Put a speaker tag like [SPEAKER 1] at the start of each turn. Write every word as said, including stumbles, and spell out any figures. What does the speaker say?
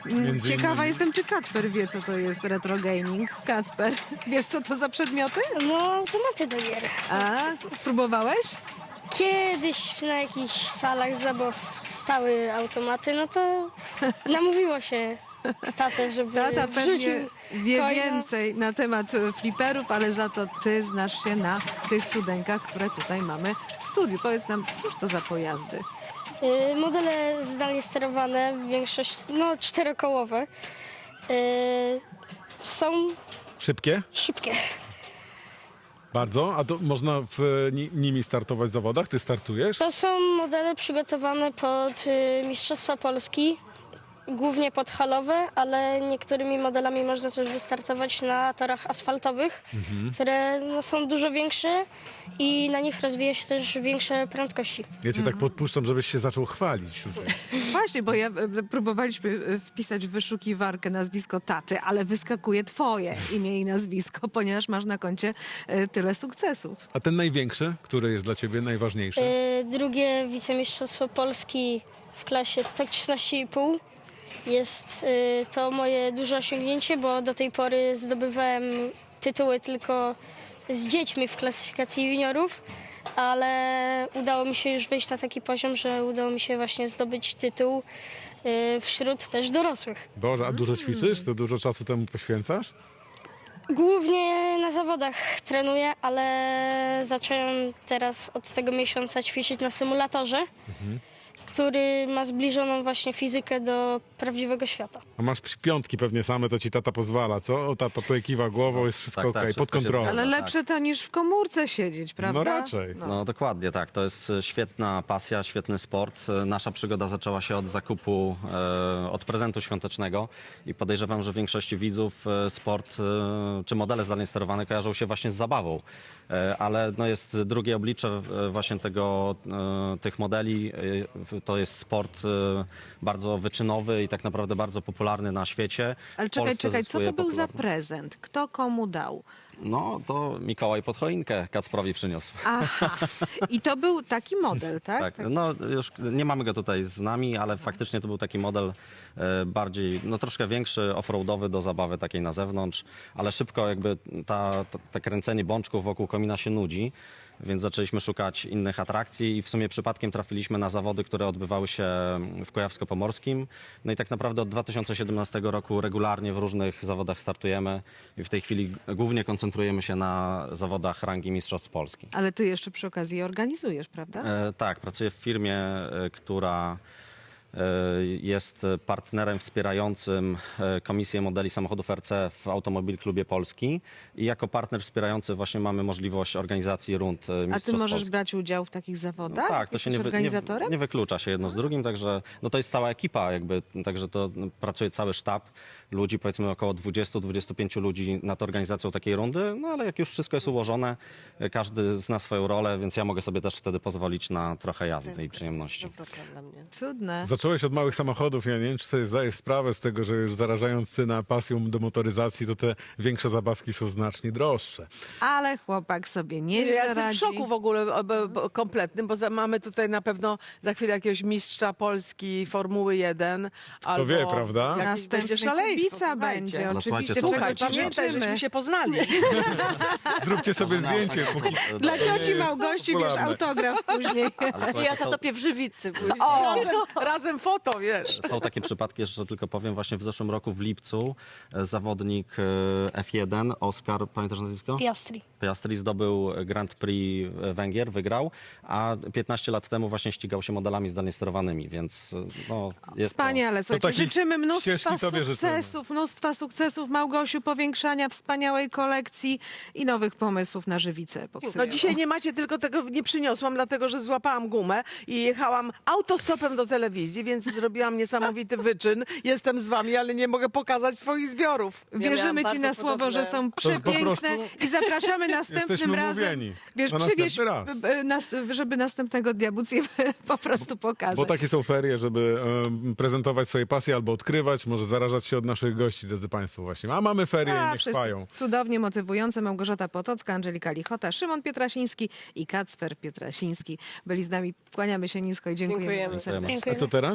[SPEAKER 1] Między
[SPEAKER 2] Ciekawa
[SPEAKER 1] innymi.
[SPEAKER 2] jestem, czy Kacper wie, co to jest retro gaming. Kacper, wiesz, co to za przedmioty?
[SPEAKER 3] No, automaty do gier.
[SPEAKER 2] A, próbowałeś?
[SPEAKER 3] Kiedyś na jakichś salach zabaw stały automaty, no to namówiło się tatę, żeby
[SPEAKER 2] Tata
[SPEAKER 3] wrzucił
[SPEAKER 2] pewnie wie
[SPEAKER 3] coina.
[SPEAKER 2] więcej na temat e, fliperów, ale za to ty znasz się na tych cudenkach, które tutaj mamy w studiu. Powiedz nam, cóż to za pojazdy?
[SPEAKER 3] Y, Modele zdalnie sterowane, w większości, no czterokołowe, y, są
[SPEAKER 1] Szybkie?
[SPEAKER 3] szybkie.
[SPEAKER 1] Bardzo? A to można w ni nimi startować w zawodach? Ty startujesz?
[SPEAKER 3] To są modele przygotowane pod y, Mistrzostwa Polski, głównie pod halowe, ale niektórymi modelami można też wystartować na torach asfaltowych, które no, są dużo większe i na nich rozwija się też większe prędkości.
[SPEAKER 1] Ja cię tak podpuszczam, żebyś się zaczął chwalić.
[SPEAKER 2] Właśnie, bo ja e, próbowaliśmy e, wpisać w wyszukiwarkę nazwisko taty, ale wyskakuje twoje imię i nazwisko, ponieważ masz na koncie e, tyle sukcesów.
[SPEAKER 1] A ten największy, który jest dla ciebie najważniejszy?
[SPEAKER 3] Y, drugie wicemistrzostwo Polski w klasie sto trzynaście i pół. Jest y, to moje duże osiągnięcie, bo do tej pory zdobywałem tytuły tylko z dziećmi w klasyfikacji juniorów, ale udało mi się już wejść na taki poziom, że udało mi się właśnie zdobyć tytuł y, wśród też dorosłych.
[SPEAKER 1] Boże, a dużo ćwiczysz? To dużo czasu temu poświęcasz?
[SPEAKER 3] Głównie na zawodach trenuję, ale zacząłem teraz od tego miesiąca ćwiczyć na symulatorze, który ma zbliżoną właśnie fizykę do prawdziwego świata.
[SPEAKER 1] A masz piątki pewnie same, to ci tata pozwala, co? O, tata tutaj kiwa głową, jest wszystko
[SPEAKER 4] tak, tak,
[SPEAKER 1] okej, pod
[SPEAKER 4] wszystko się
[SPEAKER 1] kontrolą.
[SPEAKER 4] zgadza.
[SPEAKER 2] Ale
[SPEAKER 4] tak.
[SPEAKER 2] lepsze to niż w komórce siedzieć, prawda?
[SPEAKER 1] No raczej.
[SPEAKER 4] No dokładnie tak, to jest e, świetna pasja, świetny sport. E, Nasza przygoda zaczęła się od zakupu, e, od prezentu świątecznego i podejrzewam, że większości widzów e, sport e, czy modele zdalnie sterowane kojarzą się właśnie z zabawą. E, ale no jest drugie oblicze e, właśnie tego, e, tych modeli. E, to jest sport e, bardzo wyczynowy i tak naprawdę bardzo popularny na świecie.
[SPEAKER 2] Ale
[SPEAKER 4] W
[SPEAKER 2] czekaj,
[SPEAKER 4] Polsce
[SPEAKER 2] czekaj, co
[SPEAKER 4] zyskuje
[SPEAKER 2] to był za
[SPEAKER 4] popularność.
[SPEAKER 2] prezent? Kto komu dał?
[SPEAKER 4] No to Mikołaj pod choinkę Kacprowi przyniósł.
[SPEAKER 2] Aha, i to był taki model, tak?
[SPEAKER 4] Tak, no już nie mamy go tutaj z nami, ale faktycznie to był taki model e, bardziej, no troszkę większy, offroadowy do zabawy takiej na zewnątrz, ale szybko jakby ta, ta, te kręcenie bączków wokół komina się nudzi, więc zaczęliśmy szukać innych atrakcji i w sumie przypadkiem trafiliśmy na zawody, które odbywały się w Kujawsko-Pomorskim. No i tak naprawdę od dwa tysiące siedemnastego roku regularnie w różnych zawodach startujemy i w tej chwili głównie koncentrujemy się na zawodach rangi Mistrzostw Polski.
[SPEAKER 2] Ale ty jeszcze przy okazji je organizujesz, prawda?
[SPEAKER 4] E, tak, pracuję w firmie, e, która e, jest partnerem wspierającym e, Komisję Modeli Samochodów R C w Automobil Klubie Polski i jako partner wspierający właśnie mamy możliwość organizacji rund e,
[SPEAKER 2] A ty
[SPEAKER 4] Mistrzostw
[SPEAKER 2] możesz
[SPEAKER 4] Polski.
[SPEAKER 2] brać udział w takich zawodach?
[SPEAKER 4] Tak, to się
[SPEAKER 2] Jesteś
[SPEAKER 4] nie, wy, nie,
[SPEAKER 2] organizatorem?
[SPEAKER 4] nie wyklucza się jedno z drugim, także no to jest cała ekipa jakby, także to no, pracuje cały sztab ludzi, powiedzmy około dwudziestu do dwudziestu pięciu ludzi nad organizacją takiej rundy, no ale jak już wszystko jest ułożone, e, każdy zna swoją rolę, więc ja mogę sobie też wtedy pozwolić na trochę jazdy i przyjemności.
[SPEAKER 2] Cudne.
[SPEAKER 1] Zacząłeś od małych samochodów, ja nie wiem, czy sobie zdajesz sprawę z tego, że już zarażając syna pasją do motoryzacji, to te większe zabawki są znacznie droższe.
[SPEAKER 2] Ale chłopak sobie nie
[SPEAKER 5] Ja jestem w
[SPEAKER 2] radzi.
[SPEAKER 5] szoku w ogóle o, bo, bo, kompletnym, bo za, mamy tutaj na pewno za chwilę jakiegoś mistrza Polski Formuły jeden. Albo
[SPEAKER 1] wie, prawda?
[SPEAKER 5] jakieś
[SPEAKER 2] Następny
[SPEAKER 5] będzie szaleństwo.
[SPEAKER 2] kibica
[SPEAKER 5] słuchajcie.
[SPEAKER 2] będzie,
[SPEAKER 4] No,
[SPEAKER 2] oczywiście,
[SPEAKER 4] słuchajcie,
[SPEAKER 2] czego
[SPEAKER 5] Słuchaj,
[SPEAKER 4] Słuchajcie,
[SPEAKER 2] ci
[SPEAKER 5] pamiętaj,
[SPEAKER 2] życzymy.
[SPEAKER 5] żeśmy się poznali.
[SPEAKER 1] Zróbcie sobie
[SPEAKER 4] Może
[SPEAKER 1] zdjęcie,
[SPEAKER 4] na-
[SPEAKER 1] póki...
[SPEAKER 2] Dla
[SPEAKER 1] To nie
[SPEAKER 2] cioci
[SPEAKER 1] jest
[SPEAKER 2] Małgosi, wiesz,
[SPEAKER 1] popularne.
[SPEAKER 2] autograf później.
[SPEAKER 4] Ale słuchajcie,
[SPEAKER 6] Ja
[SPEAKER 4] są-
[SPEAKER 6] zatopię w żywicy później.
[SPEAKER 5] O, razem, razem foto, wiesz.
[SPEAKER 4] Są takie przypadki, jeszcze tylko powiem, właśnie w zeszłym roku w lipcu e, zawodnik e, F jeden, Oskar, pamiętasz nazwisko?
[SPEAKER 3] Piastri.
[SPEAKER 4] Piastri zdobył Grand Prix Węgier, wygrał, a piętnaście lat temu właśnie ścigał się modelami zdalnie sterowanymi, więc e, no, jest to...
[SPEAKER 2] Wspaniale, słuchajcie,
[SPEAKER 1] takich
[SPEAKER 2] życzymy mnóstwa
[SPEAKER 1] ścieżki tobie
[SPEAKER 2] sukcesów, mnóstwa sukcesów, Małgosiu, powiększania wspaniałej kolekcji i nowych pomysłów na żywicę
[SPEAKER 5] No
[SPEAKER 2] boksujową.
[SPEAKER 5] dzisiaj nie macie, tylko tego nie przyniosłam, dlatego że złapałam gumę i jechałam autostopem do telewizji, więc zrobiłam niesamowity wyczyn. Jestem z wami, ale nie mogę pokazać swoich zbiorów.
[SPEAKER 2] Wierzymy
[SPEAKER 6] miałam
[SPEAKER 2] ci na
[SPEAKER 6] bardzo
[SPEAKER 2] słowo,
[SPEAKER 6] podobne-
[SPEAKER 2] że są
[SPEAKER 1] To jest po
[SPEAKER 2] przepiękne
[SPEAKER 1] prostu-
[SPEAKER 2] i zapraszamy następnym
[SPEAKER 1] Jesteśmy
[SPEAKER 2] razem.
[SPEAKER 1] umówieni
[SPEAKER 2] Wiesz,
[SPEAKER 1] na
[SPEAKER 2] przywieź,
[SPEAKER 1] następny raz.
[SPEAKER 2] e, nas, żeby następnego dnia móc je po prostu pokazać.
[SPEAKER 1] Bo takie są ferie, żeby em, prezentować swoje pasje albo odkrywać, może zarażać się od naszych gości, drodzy Państwo, właśnie. A mamy ferie i
[SPEAKER 2] A,
[SPEAKER 1] niech
[SPEAKER 2] wszyscy
[SPEAKER 1] trwają.
[SPEAKER 2] cudownie motywujące. Małgorzata Potocka, Angelika Lichota, Szymon Pietrasiński i Kacper Pietrasiński byli z nami. Kłaniamy się nisko i dziękujemy,
[SPEAKER 6] Dziękujemy.
[SPEAKER 2] wam serdecznie.
[SPEAKER 4] Dziękujemy.
[SPEAKER 1] A co teraz?